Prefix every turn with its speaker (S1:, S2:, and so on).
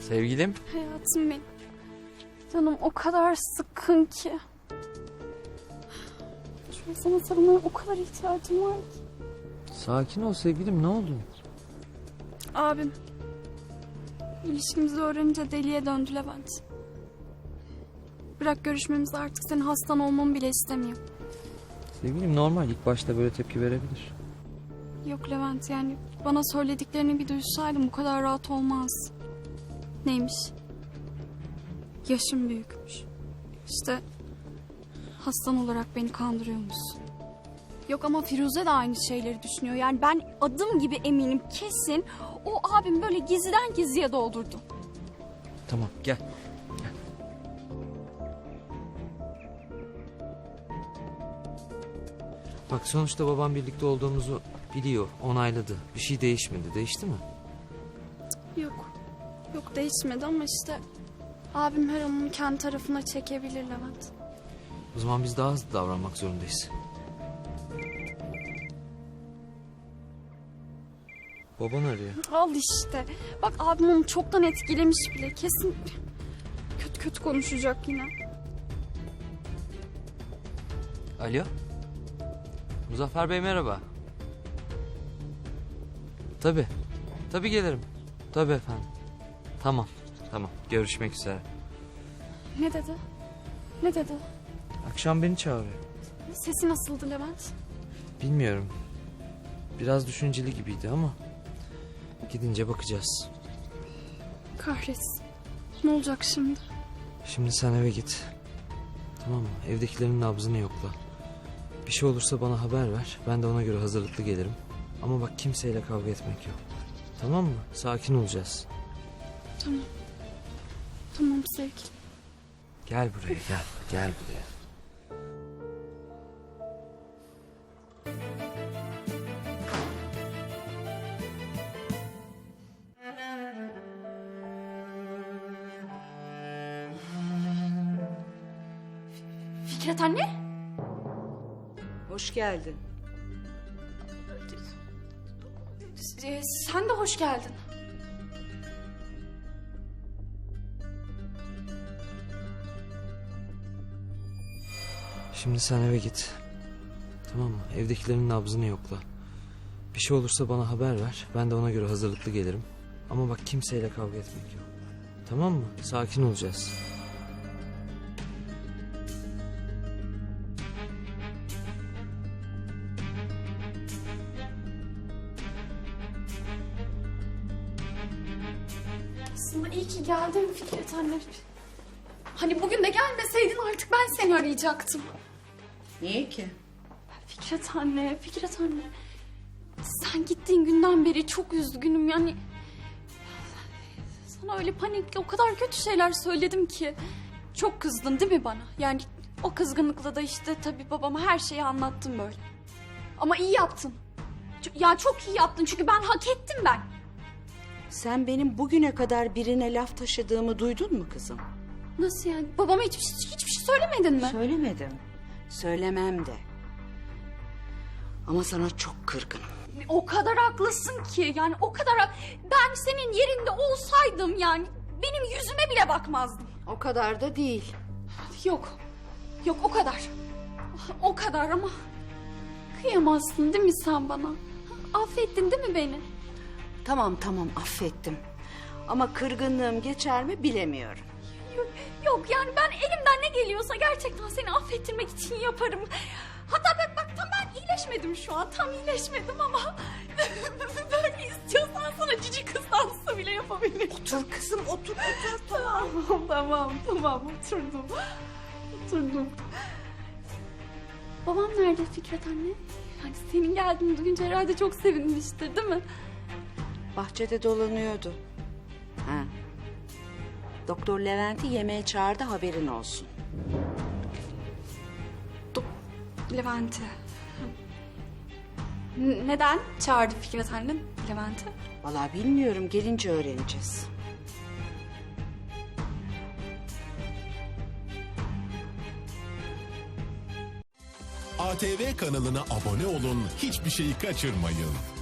S1: Sevgilim.
S2: Hayatım benim. Canım o kadar sıkkın ki. Şu an sana sarılmaya o kadar ihtiyacım var ki.
S1: Sakin ol sevgilim, ne oldu?
S2: Abim. İlişkimizi öğrenince deliye döndü Levent. Bırak görüşmemizi, artık senin hastan olmamı bile istemiyor.
S1: Sevgilim normal, ilk başta böyle tepki verebilir.
S2: Yok Levent, yani bana söylediklerini bir duysaydım bu kadar rahat olmaz. Neymiş? Yaşım büyükmüş. İşte hastan olarak beni kandırıyormuşsun. Yok ama Firuze de aynı şeyleri düşünüyor. Yani ben adım gibi eminim, kesin o abim böyle gizliden gizliye doldurdu.
S1: Tamam gel. Bak sonuçta babam birlikte olduğumuzu biliyor, onayladı. Bir şey değişmedi. Değişti mi?
S2: Yok. Yok değişmedi ama işte abim her an onu kendi tarafına çekebilir Levent.
S1: O zaman biz daha hızlı davranmak zorundayız. Baban arıyor.
S2: Al işte. Bak abim onu çoktan etkilemiş bile. Kesin kötü kötü konuşacak yine.
S1: Alo. Muzaffer Bey merhaba. Tabii. Tabii gelirim. Tabii efendim. Tamam. Tamam. Görüşmek üzere.
S2: Ne dedi? Ne dedi?
S1: Akşam beni çağırıyor.
S2: Sesi nasıldı Levent?
S1: Bilmiyorum. Biraz düşünceli gibiydi ama gidince bakacağız.
S2: Kahretsin. Ne olacak şimdi?
S1: Şimdi sen eve git. Tamam mı? Evdekilerin nabzını yokla. Bir şey olursa bana haber ver. Ben de ona göre hazırlıklı gelirim. Ama bak kimseyle kavga etmek yok. Tamam mı? Sakin olacağız.
S2: Tamam. Tamam sevgilim.
S1: Gel buraya gel. Gel buraya.
S2: Fikret anne?
S3: Hoş geldin.
S2: Sen de hoş geldin.
S1: Şimdi sen eve git. Tamam mı? Evdekilerin nabzını yokla. Bir şey olursa bana haber ver. Ben de ona göre hazırlıklı gelirim. Ama bak kimseyle kavga etmek yok. Tamam mı? Sakin olacağız.
S2: Aslında iyi ki geldin Fikret anne. Hani bugün de gelmeseydin artık ben seni arayacaktım.
S3: Niye ki?
S2: Fikret anne, Fikret anne. Sen gittiğin günden beri çok üzgünüm yani. Sana öyle panikle o kadar kötü şeyler söyledim ki. Çok kızdın değil mi bana? Yani o kızgınlıkla da işte tabii babama her şeyi anlattım böyle. Ama iyi yaptın. Ya çok iyi yaptın çünkü ben hak ettim ben.
S3: Sen benim bugüne kadar birine laf taşıdığımı duydun mu kızım?
S2: Nasıl yani? Babama hiçbir şey söylemedin mi?
S3: Söylemedim. Söylemem de. Ama sana çok kırgınım.
S2: O kadar haklısın ki yani o kadar ben senin yerinde olsaydım yani benim yüzüme bile bakmazdın.
S3: O kadar da değil.
S2: Yok o kadar. O kadar ama kıyamazsın değil mi sen bana? Affettin değil mi beni?
S3: Tamam affettim. Ama kırgınlığım geçer mi bilemiyorum.
S2: Yok yani ben elimden ne geliyorsa gerçekten seni affettirmek için yaparım. Hatta bak tam ben iyileşmedim şu an. Tam iyileşmedim ama böyle istiyorsan sana cici kız dansı bile yapabilirim.
S3: Otur kızım otur.
S2: Tamam oturdum. Babam nerede Fikret anne? Yani senin geldiğini duyunca herhalde çok sevinmiştir değil mi?
S3: Bahçede dolanıyordu. Ha. Doktor Levent'i yemeğe çağırdı, haberin olsun.
S2: Levent'i. Neden çağırdı Fikret annem Levent'i?
S3: Vallahi bilmiyorum, gelince öğreneceğiz.
S4: ATV kanalına abone olun, hiçbir şeyi kaçırmayın.